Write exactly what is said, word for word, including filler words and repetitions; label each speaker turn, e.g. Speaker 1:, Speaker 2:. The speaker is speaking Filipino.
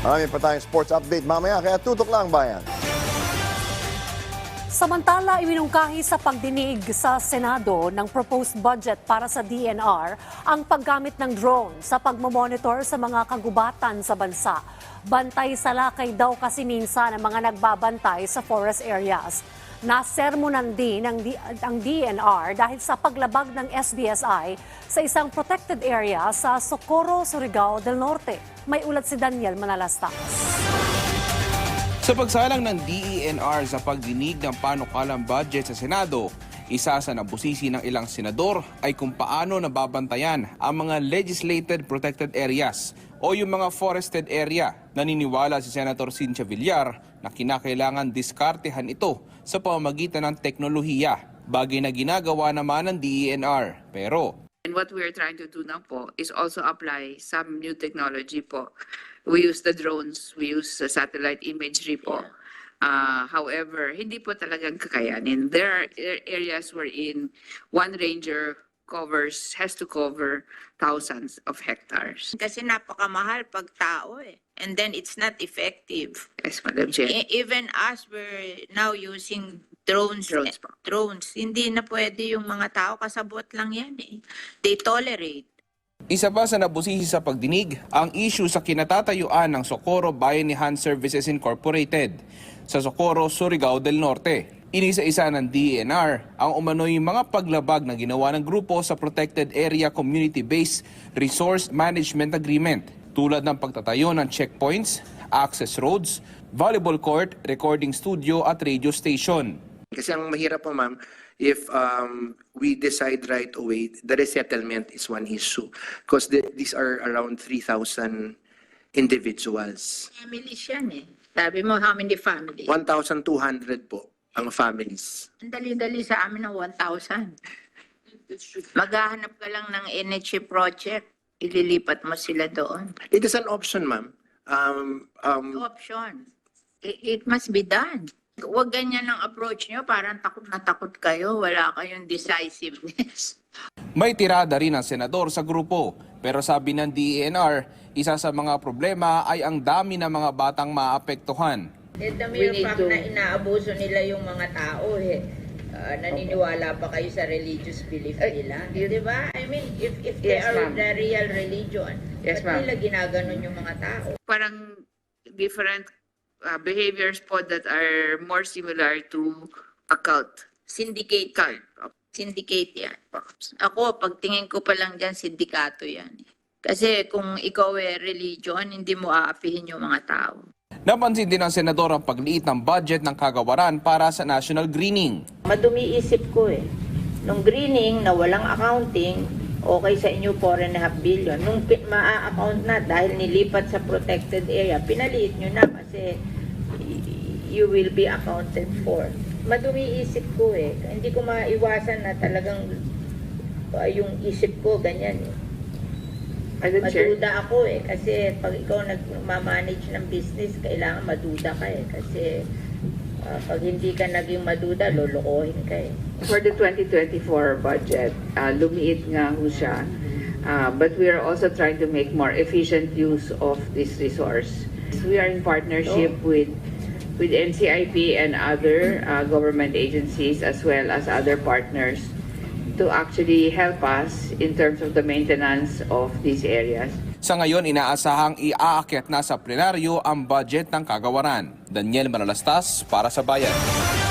Speaker 1: Marami pa tayong sports update mamaya, kaya tutok lang bayan.
Speaker 2: Samantala, iminungkahi sa pagdinig sa Senado ng proposed budget para sa D N R ang paggamit ng drone sa pagmamonitor sa mga kagubatan sa bansa. Bantay sa lakay daw kasi minsan ang mga nagbabantay sa forest areas. Nasermonan din ang, ang D N R dahil sa paglabag ng S B S I sa isang protected area sa Socorro, Surigao del Norte. May ulat si Daniel Manalastas.
Speaker 3: Sa pagsalang ng D E N R sa pagdinig ng panukalang budget sa Senado, isa sa nabusisi ng ilang senador ay kung paano nababantayan ang mga legislated protected areas o yung mga forested area. Naniniwala si Senator Cynthia Villar na kinakailangan diskartehan ito sa pamamagitan ng teknolohiya, bagay na ginagawa naman ng D E N R. Pero
Speaker 4: And what we are trying to do now po is also apply some new technology po. We use the drones, we use the satellite imagery po. Uh, however, hindi po talagang kakayanin. There are areas wherein one ranger covers, has to cover thousands of hectares.
Speaker 5: Kasi napakamahal pag tao eh. And then it's not effective.
Speaker 4: Yes, Madam Chair.
Speaker 5: E- even us, we're now using drones.
Speaker 4: Drones po.
Speaker 5: Drones. Hindi na pwede yung mga tao, kasabot lang yan eh. They tolerate.
Speaker 3: isa pa sa nabusisi sa pagdinig ang issue sa kinatatayuan ng Socorro Bayanihan Services Incorporated sa Socorro, Surigao del Norte. Inisa-isa ng D E N R ang umano'y mga paglabag na ginawa ng grupo sa Protected Area Community-Based Resource Management Agreement tulad ng pagtatayo ng checkpoints, access roads, volleyball court, recording studio at radio station.
Speaker 6: Kasi ang mahirap po ma'am, if um, we decide right away, the resettlement is one issue. Because the, these are around three thousand individuals.
Speaker 5: Families yan eh. Sabi mo, how many families?
Speaker 6: one thousand two hundred po ang families.
Speaker 5: Ang dali-dali sa amin ng one thousand. Maghahanap ka lang ng N H A project. Ililipat mo sila doon.
Speaker 6: It is an option ma'am. Um, um,
Speaker 5: Option. It, it must be done. Huwag ganyan ang approach nyo. Parang takot na takot kayo. Wala kayong decisiveness.
Speaker 3: May tirada rin ang senador sa grupo, pero sabi ng D E N R, isa sa mga problema ay ang dami ng mga batang maapektuhan.
Speaker 5: The mere fact na inaabuso nila yung mga tao eh. Uh, naniniwala pa kayo sa religious belief nila. Di ba? I mean, if if they
Speaker 4: Yes,
Speaker 5: are
Speaker 4: ma'am.
Speaker 5: the real religion,
Speaker 4: Yes,
Speaker 5: ba't
Speaker 4: ma'am.
Speaker 5: nila ginaganon yung mga tao?
Speaker 4: Parang different uh, behaviors po that are more similar to a cult.
Speaker 5: Syndicate.
Speaker 4: Cult.
Speaker 5: Syndicate yan. Ako, pagtingin ko pa lang dyan, sindikato yan. Kasi kung ikaw eh religion, hindi mo aapihin yung mga tao.
Speaker 3: Napansin din ng senador ang pagliit ng budget ng kagawaran para sa national greening.
Speaker 5: Madumi isip ko eh. Nung greening na walang accounting, okay sa inyo four and a half billion. Nung pi- maa-account na dahil nilipat sa protected area, pinaliit nyo na kasi y- you will be accounted for. Madumi isip ko eh. Hindi ko maiwasan na talagang uh, yung isip ko ganyan eh. Maduda ako eh. Kasi pag ikaw nagmamanage ng business, kailangan maduda ka eh. Kasi uh, pag hindi ka naging maduda, lolokohin ka eh.
Speaker 7: For the twenty twenty-four budget, uh, lumiit nga ho siya. Uh, but we are also trying to make more efficient use of this resource. We are in partnership with with N C I P and other uh, government agencies as well as other partners to actually help us in terms of the maintenance of these areas.
Speaker 3: Sa ngayon, inaasahang iaakyat na sa plenaryo ang budget ng kagawaran. Daniel Manalastas para sa Bayan.